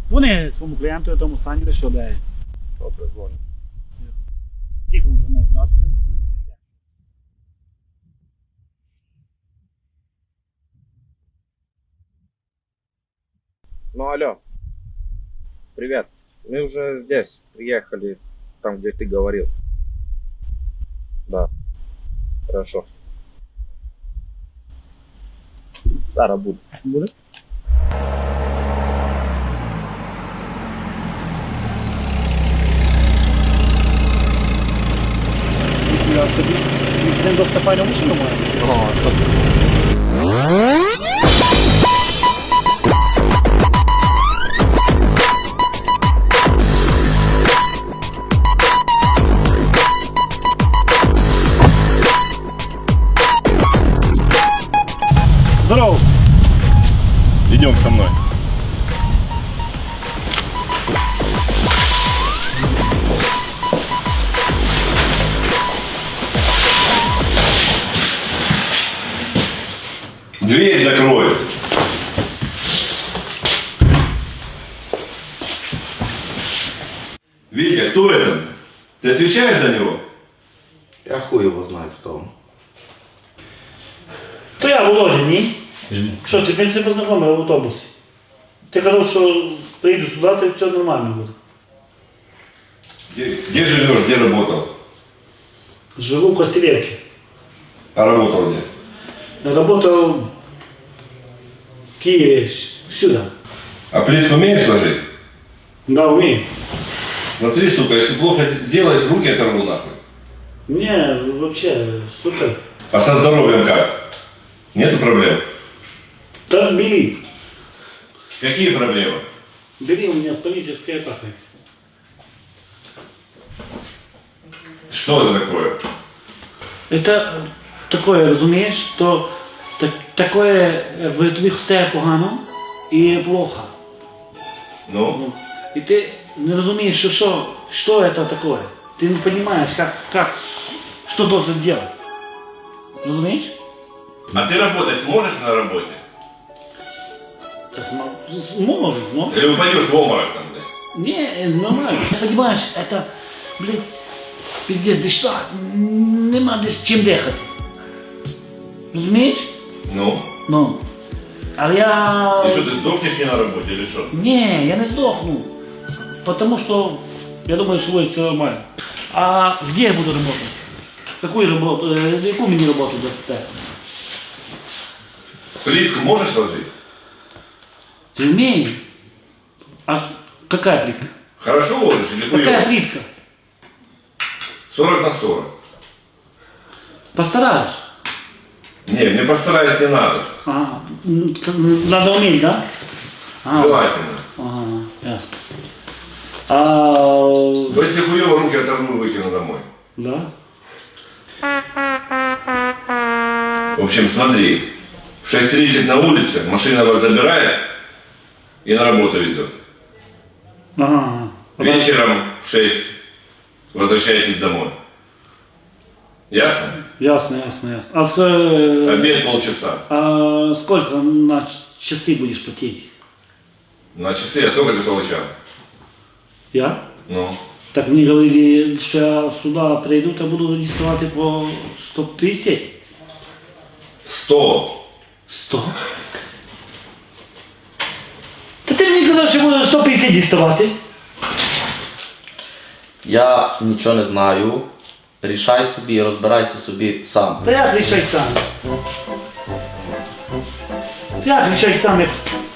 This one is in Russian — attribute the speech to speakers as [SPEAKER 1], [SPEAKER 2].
[SPEAKER 1] Вони своєму клієнту, тому Сані, що де.
[SPEAKER 2] Добре, дзвоню.
[SPEAKER 1] Скільки вже можна дати?
[SPEAKER 2] Ну, алло. Привет. Мы уже здесь. Приехали. Там, где ты говорил. Да. Хорошо. Зараз буду.
[SPEAKER 1] Буде? Я собі не досить файну машину маю. Здорово!
[SPEAKER 3] Идем со мной. Дверь закрой. Витя, кто это? Ты отвечаешь за него?
[SPEAKER 2] Я хуй его знает, кто он.
[SPEAKER 1] То я Володя, ні? Що, ти мене познайомив в автобусі? Ти казав, що прийду сюди, то все нормально буде.
[SPEAKER 3] Где живешь, где работал?
[SPEAKER 1] Живу в Костелевке.
[SPEAKER 3] А работал где?
[SPEAKER 1] Работал в Киеве, сюда.
[SPEAKER 3] А плитку умеешь сложить?
[SPEAKER 1] Да, умею.
[SPEAKER 3] Смотри, сука, если плохо сделаешь, руки оторву нахуй.
[SPEAKER 1] Не, вообще, супер.
[SPEAKER 3] А со здоровьем как? Нету проблем?
[SPEAKER 1] Так бери.
[SPEAKER 3] Какие проблемы?
[SPEAKER 1] Бери, у меня паническая атака.
[SPEAKER 3] Что это такое?
[SPEAKER 1] Это такое, розумієш, що такое, якби тобі стає погано і плохо.
[SPEAKER 3] Ну?
[SPEAKER 1] И ты не разумеешь, что это такое. Ты не понимаешь, что должен делать. Разумеешь?
[SPEAKER 3] А ты работать сможешь на работе?
[SPEAKER 1] Да сможет, но...
[SPEAKER 3] Или упадешь в обморок там, блядь?
[SPEAKER 1] Не, нормально. Понимаешь, это, блин, пиздец, дышать, нема чим дихати. Розумієш?
[SPEAKER 3] Ну?
[SPEAKER 1] Ну. Але я...
[SPEAKER 3] И что, ты сдохнешь не на работе или что?
[SPEAKER 1] Не, я не сдохну. Потому что я думаю, что будет все нормально. А где я буду работать? Какую работу? Яку мені роботу дасте?
[SPEAKER 3] Плитку можешь сложить?
[SPEAKER 1] Ты умеешь? А какая плитка?
[SPEAKER 3] Хорошо ложишь или хуёво?
[SPEAKER 1] Какая плитка?
[SPEAKER 3] 40 на 40.
[SPEAKER 1] Постараюсь.
[SPEAKER 3] Не, мне постараюсь не надо.
[SPEAKER 1] Ага. Надо уметь, да? Ага.
[SPEAKER 3] Желательно.
[SPEAKER 1] Ага, ясно. А...
[SPEAKER 3] Но если хуёво, руки оторву и выкину домой.
[SPEAKER 1] Да?
[SPEAKER 3] В общем, смотри. В 6:30 на улице машина вас забирает и на работу везет.
[SPEAKER 1] Ага.
[SPEAKER 3] Вечером в 6 возвращаетесь домой. Ясно?
[SPEAKER 1] Ясно, ясно, ясно. А,
[SPEAKER 3] Обед полчаса.
[SPEAKER 1] а сколько на часы будешь платить?
[SPEAKER 3] На часы, а сколько ты получал?
[SPEAKER 1] Я?
[SPEAKER 3] Ну.
[SPEAKER 1] Так мені говорили, що я сюди прийду, та буду діставати по 150.
[SPEAKER 3] 100.
[SPEAKER 1] 100? Та ти мені казав, що буду 150 діставати.
[SPEAKER 4] Я нічого не знаю. Рішай собі, розбирайся собі сам.
[SPEAKER 1] Та як рішай сам? Як рішай сам, як